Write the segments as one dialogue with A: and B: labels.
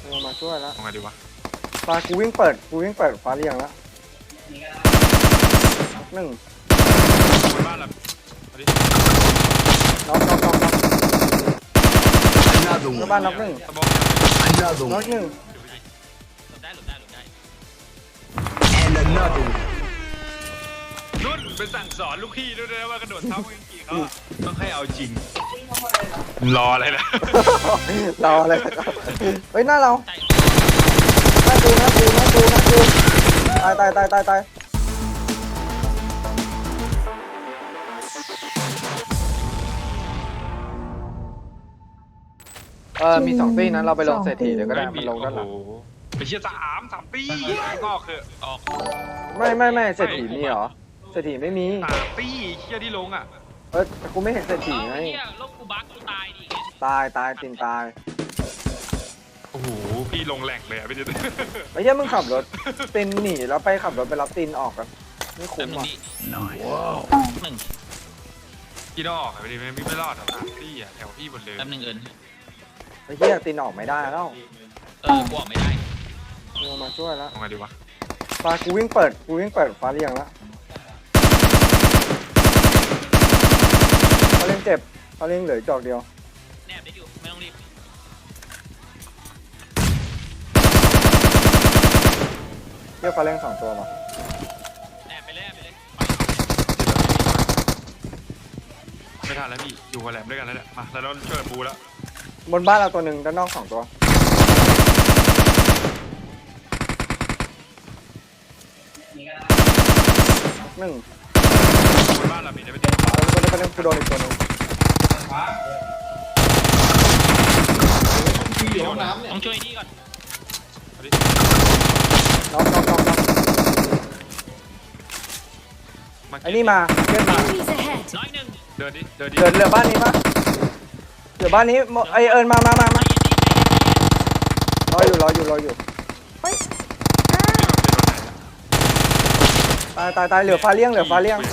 A: มาช่วยแล้ว
B: ทำไงดีวะ
A: ฟ้ากูวิ่งเปิดฟ้าเรียงแล้วหนึ่ง
B: บนบ้านเราเอาดิ
A: น็อก
C: Another
A: หน้า
C: one.
A: บ้านน็อกหนึ่ง
B: สมอง
C: Another
A: น็อก
C: one.
A: หนึ่ง
D: หลบได้หลบได้หลบได้
C: And another one.
B: นุ่นไปสั่งสอนลูกพี่ด้วยนะว่ากระโดดเท้าวิ่งกี่เขาอะต้องให้เอาจริงรออะไรล่ะ
A: รออะไรเฮ้ยหน้าเรา
D: ใช่
A: หน้ากูตายมีสองตีนั้นเราไปลงเศรษฐีเดี๋ยวก็ได้มันลงด้านหลัง
B: โอ้โหไปเชียร์สามปีงอกคือออก
A: ไม่เศรษฐีมีเหรอเศรษฐีไม่มี
B: 3 ปีเชียร์ที่ลงอ่ะ
A: แต่กูไม่เห็นเศรษฐี
D: เอา
A: ไง
D: เฮียลบกูบักกูตายดิ
A: ตายตินตาย
B: โอ้โหพี่ลงแหลกเลยอ่ะพี่เจ
A: ไม่ใช่มึงขับรถตินหนีแล้วไปขับรถไปรับตินออกกันไม่
D: แป๊
A: คุ้
D: บ
A: ม
D: นึง
A: อ่ะ
D: ดิ
C: Wow.
D: หนึ่ง
B: พี่ต้องออกอ่ะไม่รอดหรอกพี่อ่ะแถวพี่หมดเลย
D: แป๊บนึงเอิญ
A: ไอ้เหี้ยตินออกไม่ได้แล้ว
D: กูออกไม่ได้
A: มาช่วยแล้ว
B: ทำไงดีวะ
A: ฟ้ากูวิ่งเปิดฟ้าเรียงแล้วฟ้าเรียงเจ็บฟ้าเรียงเหลือจอกเดียว
D: แนบได้อยู่ไม่ต้องรีบ
A: เรียกฟ้าเรียง2 ตัวมา
D: แนบไปเลย
B: ไม่ทันแล้วพี่อยู่กับแหลมด้วยกันแล้วเนี่ยมาแล้วเราช่วยกันบูแล้ว
A: บนบ้านเราตัวหนึ่งด้านนอก2 ตัวหนึ่ง
B: บนบ้านเรามีได้ไปติด
A: ประเด็นกูโดนอีกตัวหนึ่ง
D: ต้องช่วยที่ก่อน
A: น็อกไอ้นี่มาเล่นมา
E: Enemies ahead!
D: น้อยหนึ่ง
B: เดินดิ
A: เหลือบ้านนี้ปะเหลือบ้านนี้ไอเอิญมารออยู่ตายเหลือฟ้าเลี้ยง
B: นี่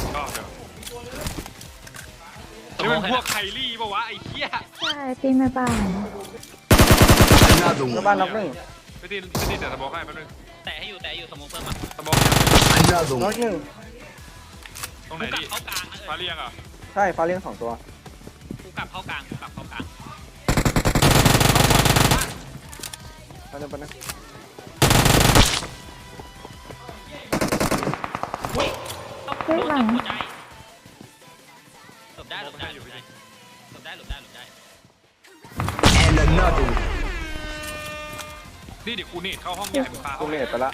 B: มันพวกไคลี่ปะวะไอ้เหี้ย
E: ใช่ปีนมาบ้าน
C: Another
A: แล้ว
C: one.
A: บ้านน็อกหนึ่ง
B: ไปติดแต่สมองให้แป๊บนึง
D: แต่ให้อยู่สมองเพิ่มมา
B: สมอง
C: Another
A: น็อก
C: one.
A: หนึ่ง
B: ตรงไหน
D: กูกลับ
B: ดิ
D: เข้ากลางนะ
B: ฟ้าเรียงอ่ะ
A: ใช่ฟ้าเลี้ยง2 ตัว
D: กูกลับเข้ากลาง
A: ประเด็น
E: เฮ้ยหลัง
D: หัวใจหลบได้
C: And another one.
B: นี่เดี๋ยวกูเนตเข้าห้องใหญ่มึงพา
A: กู
B: เข้า
A: เนตไปละ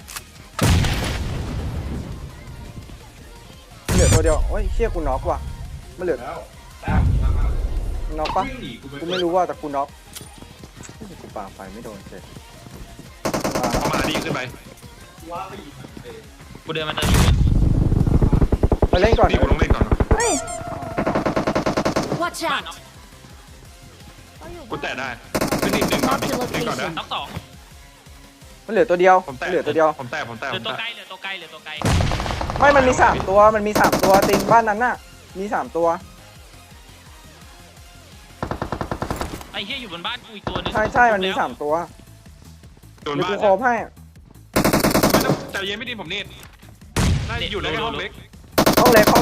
A: เหลือตัวเดียวโอ้ยเชี่ยกูน็อกว่ะไม่เหลือน็อกปะกูไม่รู้ว่าแต่กูน็อกกูปาไฟไม่โดนเสร็จ
B: เอามาดีขึ้นไป
D: กูเดินมาเติมอยู่
A: ไปเล่นก่อน
B: นี่กูต้องเล่นก่อน
E: เฮ้ย Watch
D: บ้าน
E: out!
B: กูแตะได้ขึ้นนิดนึงก่อนนิดก่อนนะ
D: น็อกสอง
A: มันเหลือตัวเดียว
B: ผมแตะ
A: เหลือตัวเดียว
B: ผมแตะ
D: เหลือตัวไกลเหลือตัวไกล
A: ไม่มันมี3 ตัวติงบ้านนั้นน่ะมี3 ตัว
D: ไอ้เหี้ยอยู่บนบ้านกูอีกตัวนึง
A: ใช่มันมี3 ตัว
B: โดน
A: เดี๋ยว
B: บ้าน
A: กูโคบให้
B: ไม่ต้องใจเย็นไม่ดีผมเนตได้อยู่ในห้องเล็ก
A: ห้องเล็กโอเค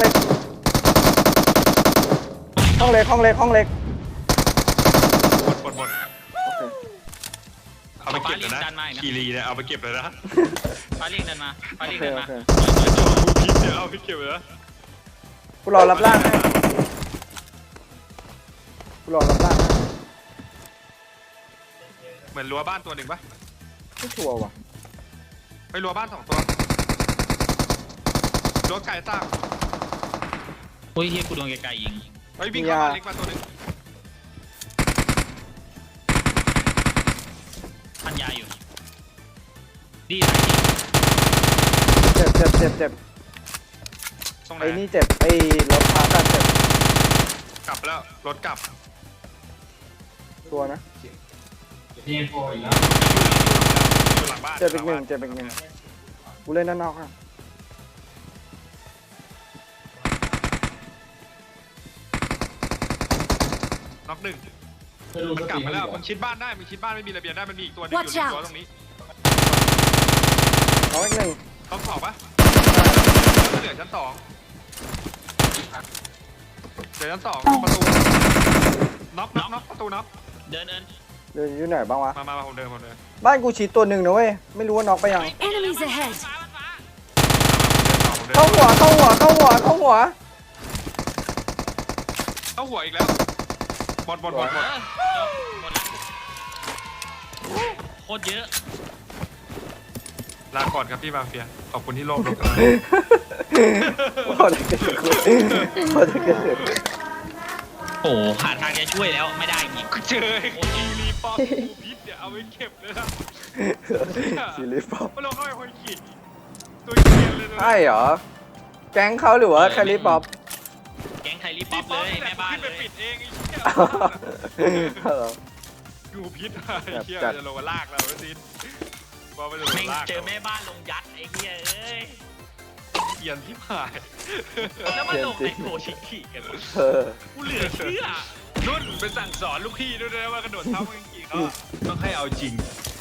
B: บนเอาไปเก็บเลยนะคีรีเนี่ยเอาไปเก็บเลยนะ
D: ฟ้าเรียงเดินมา
A: โอเค
B: กูพิษเนี่ยเอาไปเก็บเลยนะ
A: กูรอรับร่างให้
B: เหมือนรั้วบ้านตัวหนึ่งปะ
A: ไม่ชัวร์ว่ะ
B: ไปรั้วบ้าน2 ตัวรั้วไก่สร้าง
D: โอ้ยเฮียกูโดนไกลๆยิง
B: ไปวิ่งเข้าบ้านเล็กมาตัวหนึ่ง
D: พันยาอยู่ดี
A: เจ็บ
B: ตรงไหน
A: ไอ้นี่เจ็บไอ้รถพากันเจ็บ
B: กลับแล้วรถกลับ
A: ตัวนะ
B: อยู่หลังบ้าน
A: เจ็บอีกหนึ่งกูเล่นด้านนอกอ่ะ
B: น็อกหนึ่งมันกลับมาแล้วมึงชิดบ้านได้มึงชิดบ้านไม่มีระเบียงได้มันมีอีกตัวหนึงอยู่
F: Watch
B: ใน
F: out
B: ตัวตรงนี้
A: น้องอีกหนึ่ง
B: ต้องสอบปะเหลือชั้นสองเหลือชั้นสองประตูน็อกประตูน็อก
D: เดิน
A: เดินอยู่ไหนบ้างวะ
B: มาผมเดิน
A: บ้านกูชิดตัวหนึ่งนะเว้ยไม่รู้ว่าน็อกไปยัง
F: Enemies ahead
A: เข้าหัวเข้าหัวเข้าหัวเข้าหัว
B: เข้าหัวอีกแล้วหมด
D: หมดละโคตรเยอะ
B: ลาก่อนครับพี่มาเฟียขอบคุณที่ร่วมรบ
A: พอจะเกิดพอจะเกิด
D: โอ้หาทางจะช่วยแล้วไม่ได้อีก
B: เจอไอ้คีรีปอมกูพิษเนี่ยเอาไปเก็บเลยนะ
A: ซีรีส์ป๊อป
B: ไม่ลงเข้าไปคนขีดตัวเกียนเลยนะ
A: ใช่เหรอแก๊งเขาหรือว่าแคลิป๊อป
D: แก๊งไคลี่ป๊อปเลยแม่บ้าน
B: ขึ้น
D: เล
B: ไป
D: ย
B: ปิดเองไอ้เหี้ยกูพิษไอ้เหี้ยจะลงมาลากเราแล้วซินว่าไม่ลง
D: แม่
B: มาง ลาก
D: เจอแม่บ้านลงยัดไอ้เหี้ยเอ้ย
B: เกียนที่ผ่าน
D: แล้วมาลงในโกชิคิกันวะ
A: เออ
D: กูเหลือเชื่อ
B: นุ่นไปสั่งสอนลูกพี่ด้วยนะว่ากระโดดเท้าเมื่อกี้เขาต้องให้เอาจริง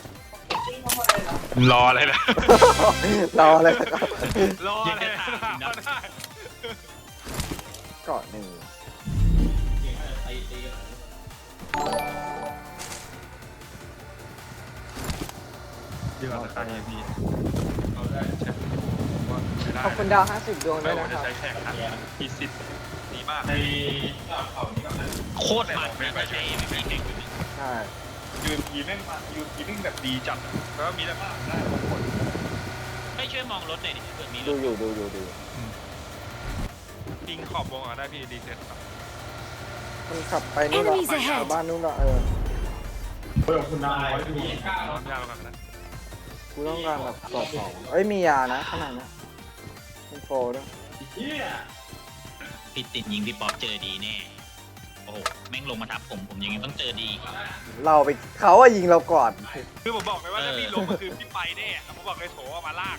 B: รออะไรนะ
A: รออะไรนะครับ
B: รออะไรนะได้
A: เกาะหนึ่ง
B: เดี๋ยวราคาเอพีเราได้ใช้ว่าใช้ได้
A: ขอบคุณดาว50ดวง
B: ไม่
A: ด้วย
B: ว่า
A: นะค
B: จะ
A: รับ
B: ใช้แข่งขันมีสิทธิ์ดีมากใน
D: โคตรมันนะใช้ไม่มีแข่งอยู่
A: ใช่
B: ยูนพีแม่งมายูนพีแม่งแบบดีจัดแล้วก็มีได้มากได้บางคน
D: ไม่ช่วยมองรถหน่อยดิเผื่อมีร
A: ดู
D: ถ
A: อยู่ดู
B: ยิงขอบวงอ่ะได้พี่ดีเซ็ตครับ
A: มันขับไปนู่นละ
F: Enemies ahead
A: บ้านนู่นละ
B: น้องยาวแล้วกันนะ
A: กูต้องการแบบกรอบของเอ้ยมียานะขนาดนี้เป็นโฟด้วย
D: พี่ติดยิงพี่ป๊อปเจอดีแน่โอ้โหแม่งลงมาทับผมยังไงต้องเจอดี
A: เราไปเขาอะยิงเราก่อน
B: คือผมบอกเลยว่าถ้าพี่ลงมาคือพี่ไปแน่ผมบอกเลยโถเอามาลาก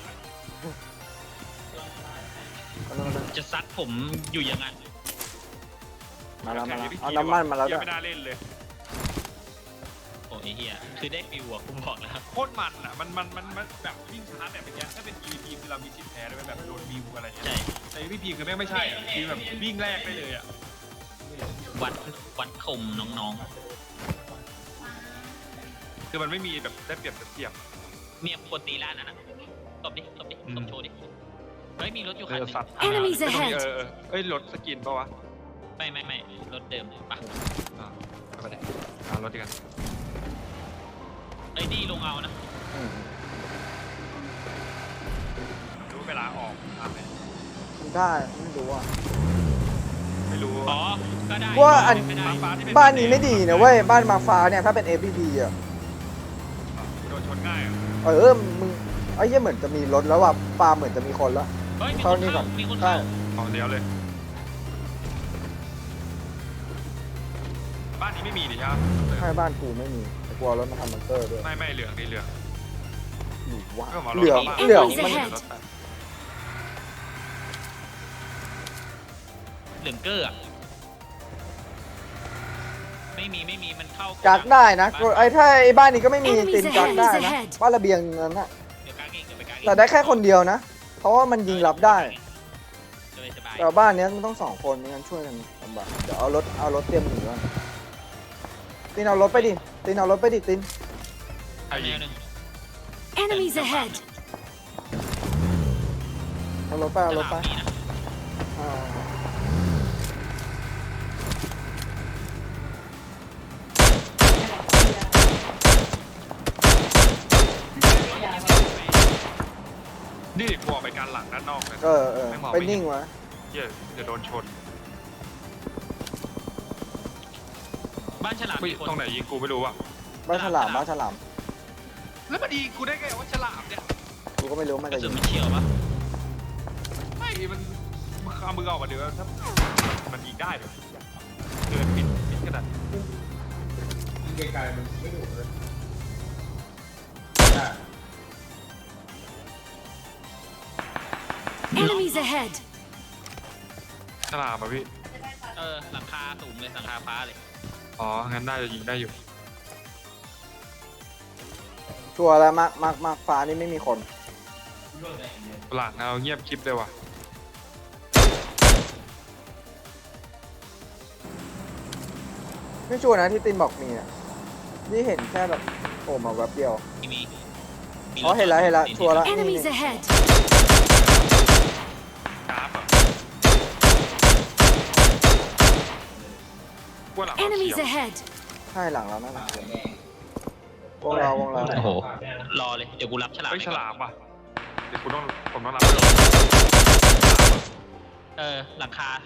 D: จะซัดผมอยู่ยังไง
A: มาแล้วเอาน้ำมันมาแล้วด้วย
B: ไม่น่าเล่นเลย
D: โอ้ไอ้เหี้ยคือได้ฟิวอะกูบอกแล้ว
B: โคตรมันอ่ะมันแบบวิ่งชาร์จแบบเมื่อกี้ถ้าเป็น EVP คือเรามีชิปแพ้ด้วยแบบโดนวิวอะไรเงี้ย
D: ใช่
B: แต่ EVP คือแม่งไม่ใช่อะคือแบบวิ่งแรกได้เลยอ่ะ
D: วัดคมน้อง
B: คือมันไม่มีแบบได้เปรียบเสียบ
D: ๆเมียคนตีร้านนั้นนะตบดิตบโชว์ดิเฮ้ยมีรถอยู่คันหนึง
B: สัตว์
F: Enemies
B: ไม่ต้องมี
F: ahead
B: เอ้ยรถสกินปะวะ
D: ไม่รถเดิมปะ
B: เอาไปไหนเอารถดีกัน
D: ไอ้นี่ลงเอานะ
A: อืม
B: รู้เวลาออกตามไหน
A: ได้ไม่รู้อ่ะ
B: ไม่รู้
D: อ๋อก็ได้
A: ว่าอัน
D: ไม่ได้
A: บ้านนี้ไม่ดีนะเว้ยบ้านมาฟ้าเนี่ยถ้าเป็น APD อ่ะ
B: โดนชนง่ายอ่ะ
A: มึงไอ้เหี้ยเหมือนจะมีรถแล้วว่ะปาเหมือนจะมีคนแล้ว
D: เฮ้ยมี
A: เข้า
D: คน
A: นี่ก่
D: เข้า
A: อน
D: มีคน
A: ใช่
D: เข้า
B: ของเดียวเลย บ้านนี้ไม่มีดิครับ
A: ใช่บ้านกูไม่มีแต่กลัวรถมาทำบังเกอร์ด้วย
B: ไม่เหลืองนี่เหลือง
A: หรือว่า
B: ก็หมอ
A: เหลือง
B: บ้าน
A: เหลือง
F: Enemies
A: มัน
F: ahead
D: เหลืองเกอร์อะไม่มีมันเข้า
A: กักได้นะไอ้ถ้าไอ้บ้านนี้ก็ไม่มี
F: Enemies
A: ตินกักได้นะ
F: ahead
A: บ้านระเบียงนั้นน่ะ
D: เดี๋ยวกักเองเดี๋ยวไปกักเอง
A: แต่ได้แค่คนเดียวนะ เพราะว่ามันยิงรับได้
D: สบาย
A: แต่บ้านเนี้ยมันต้อง2 คนไม่งั้นช่วยกันลำบากเดี๋ยวเอารถเตรียมหนีก่อนตินเอารถไปดิตินติน
B: ใครยิง
D: หนึ่ง
F: Enemies ahead
A: เอารถไปอ่า
B: นี่กลัวไปการหลังด้านนอกเลย
A: ไปนิ่งวะ
B: เหี้ยเดี๋ยวโดนชน
D: บ้านฉลาม
B: เฮ้ย
D: มีคน
B: ตรงไหนยิงกูไม่รู้อ่ะ
A: บ้านฉลาม
B: แล้วมันดีกูได้ไงว่าฉลามเนี่ย
A: กูก็ไม่รู้มัน
D: กระ
A: จะ
D: สุ
A: ยิ
D: น
A: ง
D: มันเฉียวปะ
B: ไม่มันเอามือออกมาเดี๋ยวถ้ามันยิงได้เลยเกินปิดขนาด
F: Enemies ahead
B: ฉลามอ่ะพี่
D: หลังคาสูงเลยหลังคาฟ้าเลย
B: อ๋องั้นน่าจะยิงได้อยู่
A: ชัวร์แล้วมาฟ้านี่ไม่มีคน
B: หลังเอาเงียบคลิปเลยว่ะ
A: ไม่ชัวร์นะที่ตินบอกมีอ่ะนี่เห็นแค่แบบโผล่มาแวบเดียว
D: มี
A: อ๋อเห็นแล้วชัวร์แล้วนี่
F: Enemies ahead.
B: กราฟอ่ะว่าหลังเราเขี
F: Enemies
B: ยว
F: ahead.
A: ใช่หลังเรานั่นแหละวงเรา
D: โอ้โหรอเลยเดี๋ยวกูรับฉลาม
B: เฮ้ย
D: ไป
B: ฉ
D: ก่อน
B: ลามว่ะเดี๋ยวผมต้องรับไปก่อน
D: หลังคา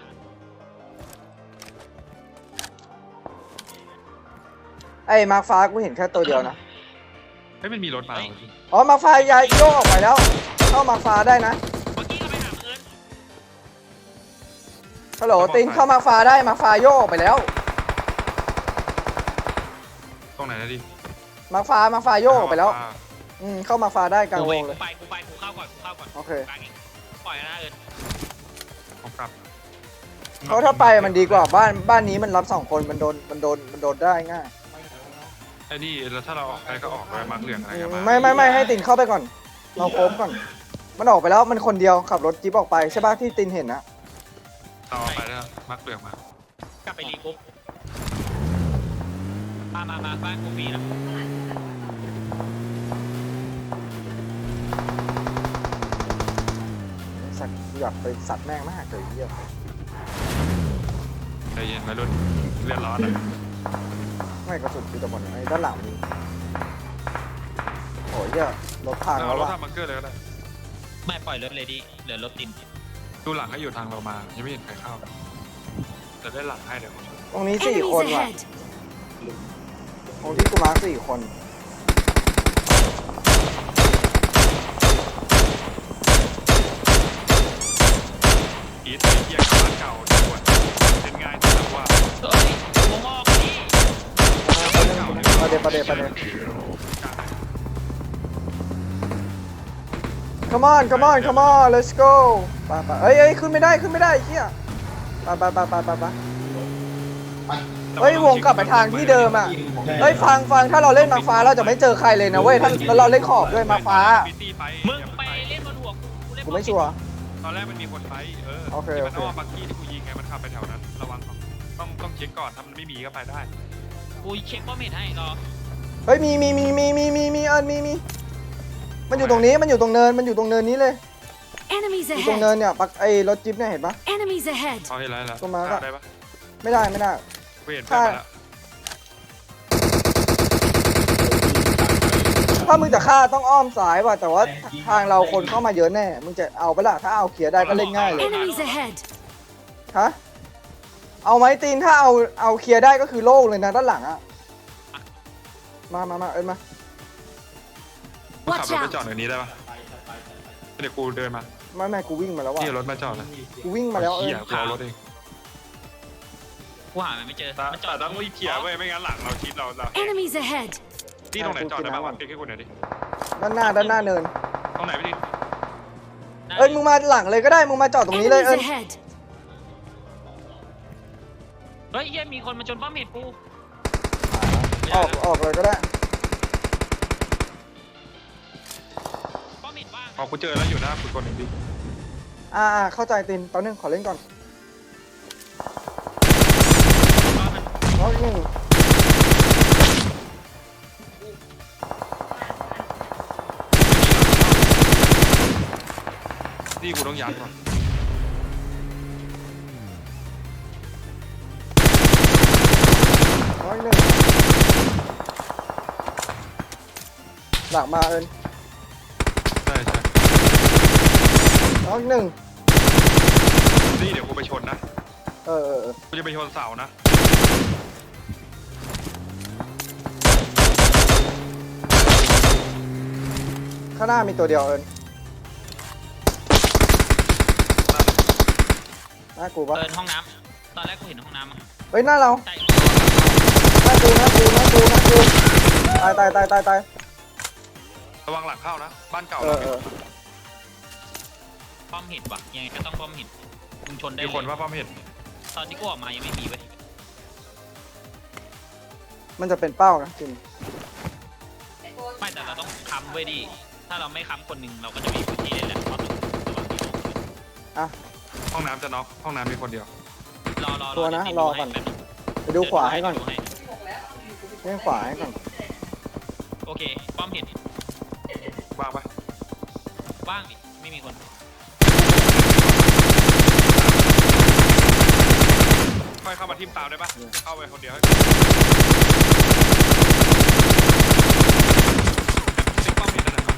A: ไอ้มาร์คฟ้ากูเห็นแค่ตัวเดียวนะ
B: เฮ้ยมันมีรถมา
A: อ๋อมาร์คฟ้าย้ายโยกออกไปแล้ว เข้ามาร์คฟ้าได้นะ
D: เมื่อกี้เราไปหาเอิญ
A: ฮัลโหลตินเข้ามาร์คฟ้าได้มาร์คฟ้าโยกออกไปแล้ว
B: ตรงไหนนะดิ
A: มาร์คฟ้าโยกออกไปแล้วเข้ามาร์คฟ้าได้กลาง
D: กู
A: ว
D: ไป
A: งเลย
D: กูเข้าก่อน
A: โอเค
D: กลางเองปล่อยนะเอิญ
B: ผมกลับ
A: เพราะถ้าไปมันดีกว่าบ้านนี้มันรับ2 คนมันโดนได้ง่าย
B: ไอ้นี่แล้วถ้าเราออกไปก็ออกไปมาร์คเหลืองอะไรกันมา
A: ไม่ให้ตินเข้าไปก่อน เราโค้งก่อน มันออกไปแล้วมันคนเดียวขับรถจิ๊บออกไปใช่ป่ะที่ตินเห็นนะ
B: เราออกไปแล้วมาร์คเหลืองมาก
D: ลับไปรีกรุ๊ปมาบ้านกูมีนะ
A: สัตว์อยากไปสัตว์แม่งมากเลยเยี่ยม
B: ใจเย็นมารุ่นเลือดร้อนอ่ะ
A: ไม่กระสุนที่ตะบนไอ้ด้านหลังนี้โอ้ยเยี่ยรถพัง
B: เอา
A: แล้ว
B: รถ
A: ว่ะ
B: ทำบังเกอร์เลยก็ได้
D: ไม่ปล่อยรถเลยดิเหลือรถติน
B: ดูหลังให้อยู่ทางเรามายังไม่เห็นใครเข้าจะได้หลังให้เดี๋ยว
A: ตรงนี้4
F: Enemies
A: คนว่ะ
F: ahead.
A: ตรงที่กูมาร์ค4 คน
B: อีทไอ้เหี้ยกับบ้านเก่าจังหวัดเป็นง่ายที่แบบว่า
D: เฮ้ยวงออกนี่
A: ประเด็น come on let's go ไปเอ้ยขึ้นไม่ได้ไอ้เหี้ยไปเฮ้ยวงกลับไปทางที่เดิมอ่ะเฮ้ยฟังถ้าเราเล่นมาฟ้าเราจะไม่เจอใครเลยนะเว้ยถ้าแล้วเราเล่นขอบด้วยมาฟ้า
D: มึงไปเล่นบนหัวกูเล่น
A: กูไม่ชัวร์
B: ตอนแรกมันมีคนไฟที่มัน
A: โอเค
B: อ้อมบักกี้ที่กูยิงไงมันขับไปแถวนั้นระวังต้องเช็คก่อนถ้ามันไม่มีก็ไปได้
D: กูเช็คป้อมเห็นให้รอ
A: เฮ้ยมีมันอยู่ตรงนี้มันอยู่ตรงเนินนี้เลย
F: Enemies
A: อยู่ตรงเนิ
F: ahead.
A: นเนี่ยปักไอ้รถจิ๊บเนี่ยเห็นปะ
F: Enemies ahead.
B: เขาเห็นแล้ว
A: ตัวมาร์คอะ
B: ได้ปะ
A: ไม่ได้
B: กูเห็นเพื่อนมาแล้ว
A: ถ้ามึงจะฆ่าต้องอ้อมซ้ายว่ะแต่ว่าทางเราคนเข้ามาเยอะแน่มึงจะเอาไปละถ้าเอาเคลียร์ได้ก็เล่นง่ายเลย
F: Enemies ahead.
A: ฮะเอาไหมตีนถ้าเอาเคลียร์ได้ก็คือโล่งเลยนะด้านหลังอะมาเอ้ยมา
B: กูขับ
F: Watch
B: รถไป
F: out.
B: จอดในนี้ได้ปะเดี๋ยวกูเดินมา
A: ไม่กูวิ่งมาแล้วว่ะ
B: ที่รถมาจอดนะ
A: กูวิ่งมาแล้วเอ้
B: เขี่
A: ย
B: ยกูเอารถเอง
D: กูหามันไม่เจอ
B: แต่ต้องรีบเขี่ยเว้ยไม่งั้นหลังเราชิดเรา
F: Enemies ahead.
B: ที่ตรงไหนจอดได้บ้างวะเช็คให้กูหน่อยดิ
A: ด้านหน้าเนิน
B: ตรงไหนพี่ดิ
A: เอ้ยมึงมาหลังเลยก็ได้มึงมาจอดตรงนี้เลย
F: Enemies
A: เอ้ย
F: ahead.
D: เฮ้ยเหี้ยมีคนมาชนป้อมเห็ดกู
A: ออกเลยก็ได้
D: ป้อมเห็ดว่าง
B: พอกูเจอแล้วอยู่หน้ากูคนหนึ่งดิ
A: เข้าใจตีนตอนนึงขอเล่นก่อน
D: ป้อมมัน
A: น้องหนึ่ง
B: นี่กูต้องยัดก่อน
A: น้องหนึ่งหลังมาเอิญ
B: ใช่
A: น้องหนึ่ง
B: นี่เดี๋ยวกูไปชนนะ
A: เออ
B: กูจะไปชนเสานะ
A: ข้างหน้ามีตัวเดียวเอิญหน้ากูปะ
D: เดินห้องน้ำตอนแรกกูเห็นห้องน้ำอะ
A: เฮ้ยหน้าเรา
D: ใช่
A: หน้ากูตาย
B: ระวังหลังเข้านะบ้านเก่า
A: เอ
B: เรา
A: อ
D: ป้อมเห็ดว่ะยังไงก็ต้องป้อมเห็ดมึงชนได้
B: มี
D: เล
B: คน
D: ย
B: ว่าป้อมเห็น
D: ตอนที่กูออกมายังไม่มีเว้ย
A: มันจะเป็นเป้านะจริง
D: ไม่แต่เราต้องค้ำไว้ดิถ้าเราไม่ค้ำคนหนึ่งเราก็จะมีพื้นที่เล่นแหละเพราะตรงระหว่างที่ลง
A: อ่ะ
B: ห้องน้ำจะน็อกห้องน้ำมีคนเดียว
D: รอ
A: ตัวนะ
D: เดี๋ยว
A: รอก่อน ไปดูขวาให้ก่อน
D: ดู
A: เล่นขวาให้ก่อน
D: โอเคป้อมเห็น
B: วางปะ
D: ว่างดิไม่มีคน
B: ค่อยเข้ามาทิมตามได้ปะเข้าไปคนเดียวให้ติ๊กป้อมเห็นนั่นน่ะ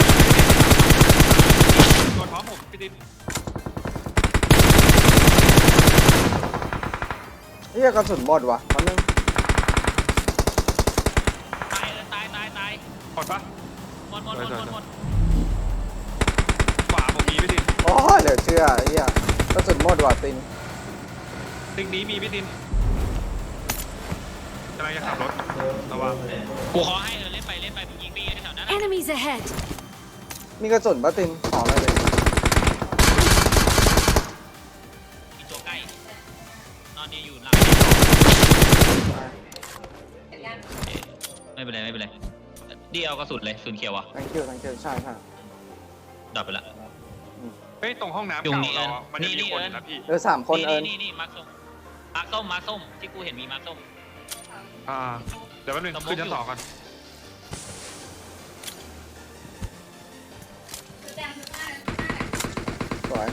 B: ตัวท้องผมพี่ดิน
A: เฮียกระสุนหมดว่ะมันนึง
D: ตายตาย
B: กดปะ
D: หมด
B: ขวาผมมีพี่ดิน
A: โอ้ยเหลือเชื่อเฮียกระสุนหมดว่ะติน
B: ติ๊กนี้มีพี่ดินกำลังจะขับรถระวัง
D: กูขอให้เล่นไปมึงยิงไปแถวนั้น
F: Enemies ahead!
A: มีกระสุนปะตินขอมาเลย
D: มีตัวใกล้นอนเนี่ยอยู่หลังไม่เป็นไรดีเอากระสุนเลยศูนย์เขียวอ่ะ
A: thank you thank you ใช่ใช่
D: ดับไปละ
B: เฮ้ยตรงห้องน้ำ
D: ยุง
B: เก่า
D: นี่
B: เราอะมันจะ
D: นี่
B: มีคนอยู่นะพี่
A: เหลือ3 คนเอิญ
D: นี่มาร์คส้มที่กูเห็นมีมาร์คส้ม
B: เดี๋ยวแป๊บนึง
D: สมมุติ
B: ขึ้นชั้น2ก่อน
A: สวย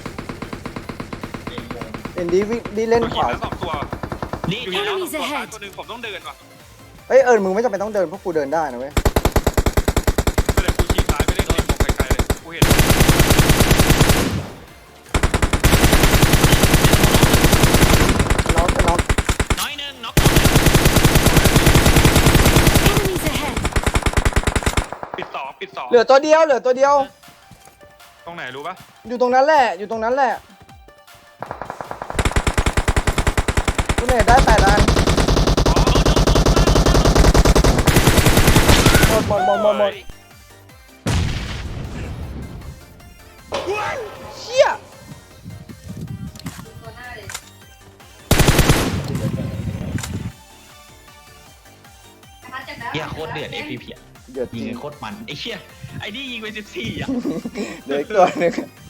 A: เอ็นดีวิ่งดีเล่นขวา
B: แล้ว2 ตัว
D: นี่
B: อยู่นี่แล้ว
F: Enemies
B: ตัวซ้าย
F: ahead
B: ตัวหนึงผมต้องเดินว่ะ
A: เอ้ยเอิญมึงไม่จำเป็นต้องเดินเพราะกูเดินได้นะเว้ย
B: ไม่ได้กูฉีกซ้ายไปเล่นเกมไกลๆเลยกูเห็น
A: น็อกจะน็อก
D: น้อยหนึ่งน็อก
F: Enemies ahead!
B: ปิดสอง
A: เหลือตัวเดียว
B: ตรงไหนรู้ปะ
A: อยู่ตรงนั้นแหละกูเนี่ยได้8 อันหมดเชี่ย
D: เฮียโคตรเดือด FPP
A: เดือดจ
D: ยิ
A: ริ
D: ง
A: ง
D: กันโคตรมันไอ้เชี่ยไอ้นี่ยิงไป14อ่ะ
A: เหลืออีกตัวหนึง